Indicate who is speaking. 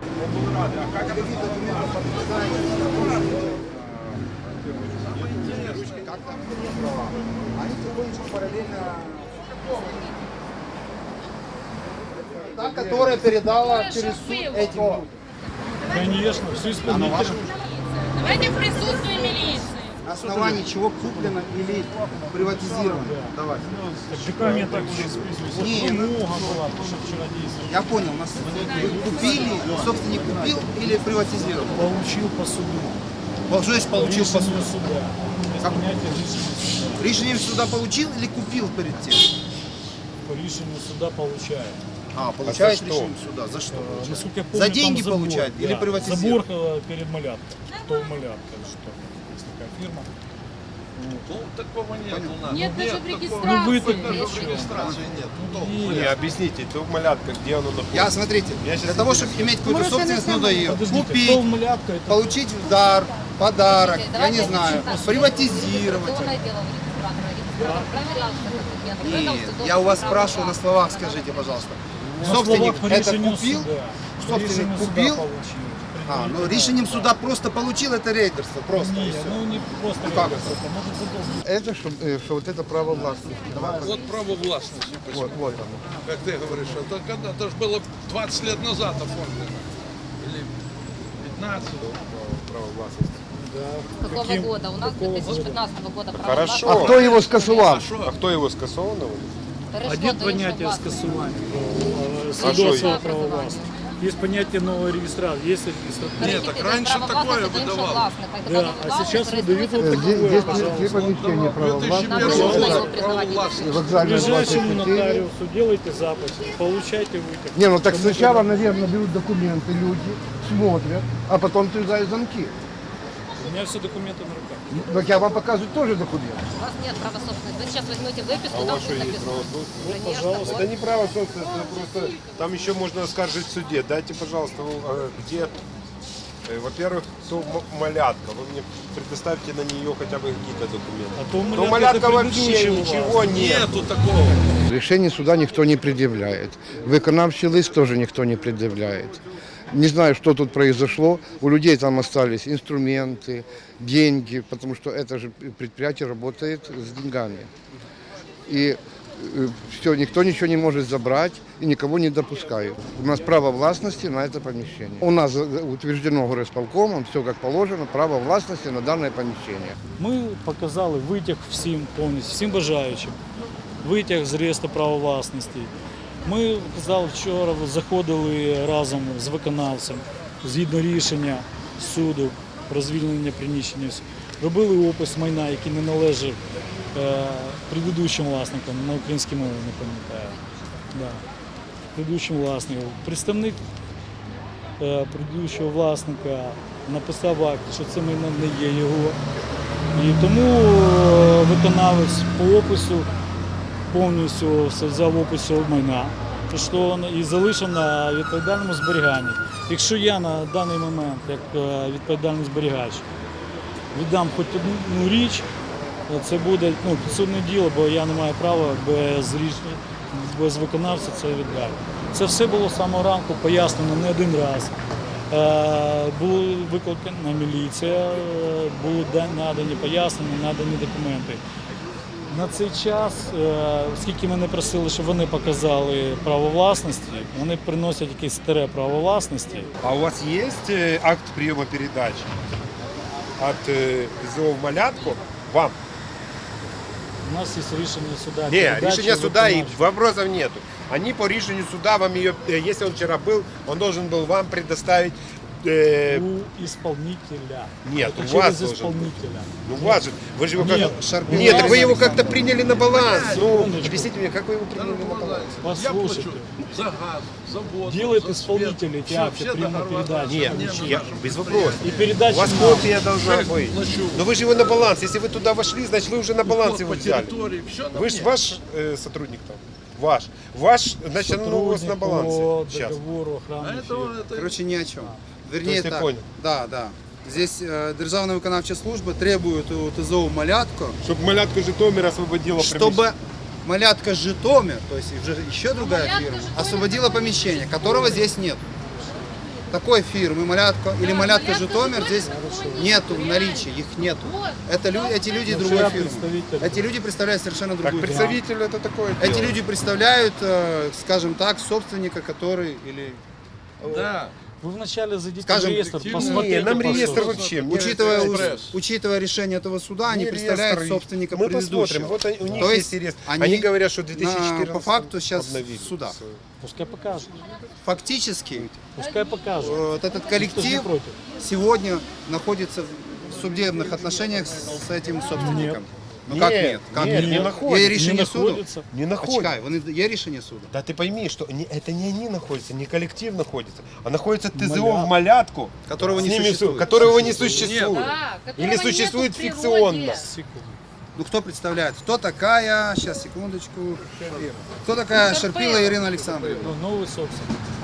Speaker 1: Они потихонечку параллельно... Та, которая передала через суд этим людям.
Speaker 2: Конечно, все исполнители.
Speaker 3: Давайте в присутствии милиции.
Speaker 1: На основании чего куплено или приватизировано? Давайте.
Speaker 2: Документ так уже списывается.
Speaker 1: Не,
Speaker 2: Вымога была, потому что вчера действовали.
Speaker 1: я понял, нас купили, собственник купил или приватизировал?
Speaker 2: Получил по суду.
Speaker 1: Что значит получил по
Speaker 2: Решение
Speaker 1: суду?
Speaker 2: суда.
Speaker 1: Как?
Speaker 2: Принятие решения суда.
Speaker 1: Решение суда получил или купил перед тем?
Speaker 2: По решению суда получает.
Speaker 1: Получает решение суда. За что?
Speaker 2: Насколько я помню,
Speaker 1: За
Speaker 2: там
Speaker 1: деньги
Speaker 2: забор,
Speaker 1: получает или
Speaker 2: да,
Speaker 1: приватизирует?
Speaker 2: Забор перед Малявкой. Кто Малявка? Что? Есть такая фирма.
Speaker 4: Ну, такого нет у нас.
Speaker 3: Нет даже в
Speaker 2: Ну вы так
Speaker 3: регистрации.
Speaker 4: Даже в регистрации нет.
Speaker 5: Не, объясните, то малятка, где оно находится?
Speaker 1: Я, смотрите,
Speaker 5: Я щас
Speaker 1: для того, чтобы иметь какую-то собственность, надо ее
Speaker 2: Подождите, кто
Speaker 1: купить,
Speaker 2: Малявка? Это
Speaker 1: получить в дар, подарок, я
Speaker 6: Давайте
Speaker 1: не знаю,
Speaker 6: так.
Speaker 1: приватизировать.
Speaker 6: Уголовное дело у регистратора. Регистратор проверял все документы.
Speaker 1: Нет, я у вас спрашиваю на словах, скажите, пожалуйста.
Speaker 2: на
Speaker 1: Собственник
Speaker 2: словах по
Speaker 1: это
Speaker 2: решению
Speaker 1: купил?
Speaker 2: суда. По
Speaker 1: Собственник
Speaker 2: решению суда
Speaker 1: купил?
Speaker 2: получил.
Speaker 1: Ну решением суда просто получил, это рейдерство, просто. и
Speaker 2: Нет,
Speaker 1: всё.
Speaker 2: ну не просто
Speaker 1: Ну, как
Speaker 2: регистрация, это может задолжить.
Speaker 7: Это, что вот это право власти.
Speaker 4: Вот право властности.
Speaker 7: Вот, вот оно.
Speaker 4: Как ты говоришь, это же было 20 лет назад оформлено. Или 15.
Speaker 5: Право власности.
Speaker 6: Какого
Speaker 2: Каким?
Speaker 6: года? У нас
Speaker 2: Какого
Speaker 6: 2015 года право
Speaker 5: Хорошо.
Speaker 6: власти.
Speaker 7: А кто его скасувал?
Speaker 5: А кто его скасованного?
Speaker 6: Перейшло
Speaker 2: Один
Speaker 6: до
Speaker 2: понятие
Speaker 6: іншої власності.
Speaker 2: скасування
Speaker 5: А
Speaker 2: свідоцтва
Speaker 5: що?
Speaker 2: права власності. Есть понятие нового регистрации, есть регистратура.
Speaker 4: Нет, так раньше
Speaker 6: Право
Speaker 4: такое
Speaker 6: власності до іншого
Speaker 4: выдавали.
Speaker 6: власника. І
Speaker 2: Да,
Speaker 6: тоді
Speaker 2: а
Speaker 6: власник
Speaker 2: сейчас выдают
Speaker 6: реєструється
Speaker 2: вот
Speaker 6: в
Speaker 7: Здесь,
Speaker 2: такое,
Speaker 7: здесь три
Speaker 2: пожалуйста.
Speaker 7: помещения право власти.
Speaker 6: Нам
Speaker 4: Первый
Speaker 6: нужно
Speaker 4: год
Speaker 6: его
Speaker 4: право
Speaker 6: признавать.
Speaker 4: властности.
Speaker 7: Вокзальная
Speaker 2: Ближайшему
Speaker 7: 24.
Speaker 2: нотариусу делайте запись, получайте вытяг.
Speaker 7: Не, ну так сначала, наверное, берут документы люди, смотрят, а потом срезают замки.
Speaker 2: У меня все документы на руках.
Speaker 7: Так я вам показываю тоже документы.
Speaker 6: У вас нет права собственности. Вы сейчас возьмете выписку,
Speaker 5: А у
Speaker 6: там
Speaker 5: вас что,
Speaker 6: будет
Speaker 5: есть
Speaker 6: написано.
Speaker 5: право собственности?
Speaker 6: Конечно,
Speaker 2: пожалуйста.
Speaker 6: вот.
Speaker 5: Это не право собственности, это просто там еще можно оскаржить в суде. Дайте, пожалуйста, где, во-первых, то малятка. Вы мне предоставьте на нее хотя бы какие-то документы.
Speaker 2: А то
Speaker 5: То
Speaker 2: малятка
Speaker 5: малятка
Speaker 2: это
Speaker 5: вообще
Speaker 2: предыдущего
Speaker 5: ничего нет.
Speaker 4: Нету такого.
Speaker 7: Решение суда никто не предъявляет. Виконавчий лист тоже никто не предъявляет. Не знаю, что тут произошло. У людей там остались инструменты, деньги, потому что это же предприятие работает с деньгами. И все, никто ничего не может забрать и никого не допускают. У нас право властности на это помещение. У нас утверждено горосполкомом, все как положено, право властности на данное помещение.
Speaker 2: Ми показали витяг всім повністю, всім бажаючим. Витяг з реєстру права власності. Ми казали, вчора заходили разом з виконавцем, згідно рішення суду про звільнення приміщення. Робили опис майна, який не належав предыдущим власникам, на українській мові не пам'ятаю. Да. Предыдущим власникам. Представник предыдущого власника написав акт, що це майно не є його. І тому виконавець по опису повністю все взяв опис цього майна і залишив на відповідальному зберіганні. Якщо я на даний момент, як відповідальний зберігач, віддам хоч одну річ, це буде підсудне діло, бо я не маю права без виконавця це віддати. Це все було з самого ранку пояснено не один раз. Була викликана міліція, були надані пояснення, надані документи. На цей час, оскільки мене просили, щоб вони показали право власності, вони приносять якесь старе право власності.
Speaker 5: А у вас есть акт приема передачи от ЗОВ «Малятку» вам?
Speaker 2: У нас є рішення суда.
Speaker 5: Не,
Speaker 2: передачі
Speaker 5: решение суда и
Speaker 2: виконавчого.
Speaker 5: вопросов нету. Они по решению суда вам ее, если он вчера был, он должен был вам предоставить.
Speaker 2: У исполнителя.
Speaker 5: Нет,
Speaker 2: Это
Speaker 5: у вас
Speaker 2: через
Speaker 5: должен
Speaker 2: исполнителя.
Speaker 5: Ну у вас же, вы же его
Speaker 2: Нет,
Speaker 5: как-то... Нет, так вы его как-то приняли на баланс. Ну,
Speaker 2: секундочку.
Speaker 5: объясните мне, как вы его приняли на баланс?
Speaker 4: Я
Speaker 2: Послушайте.
Speaker 4: плачу за газ, за воду,
Speaker 2: Делает
Speaker 4: за
Speaker 2: исполнитель
Speaker 4: свет.
Speaker 2: эти
Speaker 4: Все-
Speaker 2: акты
Speaker 4: все
Speaker 2: приема
Speaker 4: договора
Speaker 2: передачи.
Speaker 5: Нет, я, без вопросов.
Speaker 2: И передача
Speaker 5: У вас
Speaker 2: нам.
Speaker 5: копия должна
Speaker 4: Шесть
Speaker 5: быть.
Speaker 4: плачу.
Speaker 5: Но вы же его на баланс. Если вы туда вошли, значит вы уже на баланс
Speaker 4: Уход
Speaker 5: его
Speaker 4: по
Speaker 5: взяли.
Speaker 4: территории, все на
Speaker 5: Вы же
Speaker 4: мне.
Speaker 5: ваш сотрудник там. Ваш, значит, оно у вас на
Speaker 2: Сотрудник
Speaker 5: балансе.
Speaker 2: по
Speaker 5: Сейчас.
Speaker 2: договору
Speaker 4: А
Speaker 2: охраны.
Speaker 4: это
Speaker 1: Короче, ни о чем. Вернее,
Speaker 5: есть ты
Speaker 1: так.
Speaker 5: понял?
Speaker 1: Да, да. Здесь Державная виконавча служба требует у ТЗО «Малятко»,
Speaker 5: Чтобы малятку Житомир освободила
Speaker 1: чтобы «Малятка Житомир», то есть уже еще другая фирма, освободила помещение, которого здесь нет. такой фирмы «Малятка» или «Малятка Житомир» здесь нету в наличии, их нету. Эти люди
Speaker 2: Ну,
Speaker 1: другой
Speaker 2: я
Speaker 1: фирмы.
Speaker 2: представитель.
Speaker 1: Эти люди представляют совершенно
Speaker 5: Как
Speaker 1: другую фирму.
Speaker 5: представитель это такое
Speaker 1: Эти
Speaker 5: дело.
Speaker 1: люди представляют, скажем так, собственника, который или
Speaker 4: Да.
Speaker 2: Вы вначале зайдите
Speaker 1: Скажем,
Speaker 2: в реестр,
Speaker 4: не,
Speaker 2: посмотрите.
Speaker 5: Не, нам
Speaker 2: по
Speaker 5: реестр
Speaker 2: сути.
Speaker 5: вообще. мне
Speaker 1: учитывая,
Speaker 4: экспресс.
Speaker 1: учитывая решение этого суда, они
Speaker 5: не
Speaker 1: представляют
Speaker 5: реестр.
Speaker 1: собственника
Speaker 5: Мы
Speaker 1: предыдущего.
Speaker 5: посмотрим. Вот у них
Speaker 1: То
Speaker 5: есть
Speaker 1: есть
Speaker 5: реестр.
Speaker 1: они
Speaker 5: Они говорят, что в 2014
Speaker 1: по факту сейчас
Speaker 5: обновили
Speaker 1: в судах.
Speaker 5: всё.
Speaker 2: Пускай покажут.
Speaker 1: Фактически
Speaker 2: Пускай покажут.
Speaker 1: вот этот
Speaker 2: Никто же не
Speaker 1: коллектив
Speaker 2: против.
Speaker 1: сегодня находится в судебных отношениях с этим собственником. Ну
Speaker 5: Нет,
Speaker 1: как нет? Как
Speaker 5: нет,
Speaker 1: нет?
Speaker 5: не находится.
Speaker 1: Є
Speaker 2: Не
Speaker 1: рішення суду?
Speaker 2: находится.
Speaker 5: Не находится.
Speaker 1: Почекай, є рішення суду.
Speaker 5: Да ты пойми, что это не они находятся, не коллектив находится, а находится ТЗО
Speaker 2: Малят.
Speaker 5: в Малятку,
Speaker 1: Которого
Speaker 5: с
Speaker 1: не
Speaker 5: ними
Speaker 1: существует.
Speaker 5: которого не существует.
Speaker 6: Да, которого
Speaker 5: Или существует
Speaker 6: нету в природе.
Speaker 5: фикционно.
Speaker 2: Секунду.
Speaker 1: Ну кто представляет? Кто такая, сейчас, секундочку, кто такая Шерпила Ирина Александровна?
Speaker 2: Ну, новый собственник.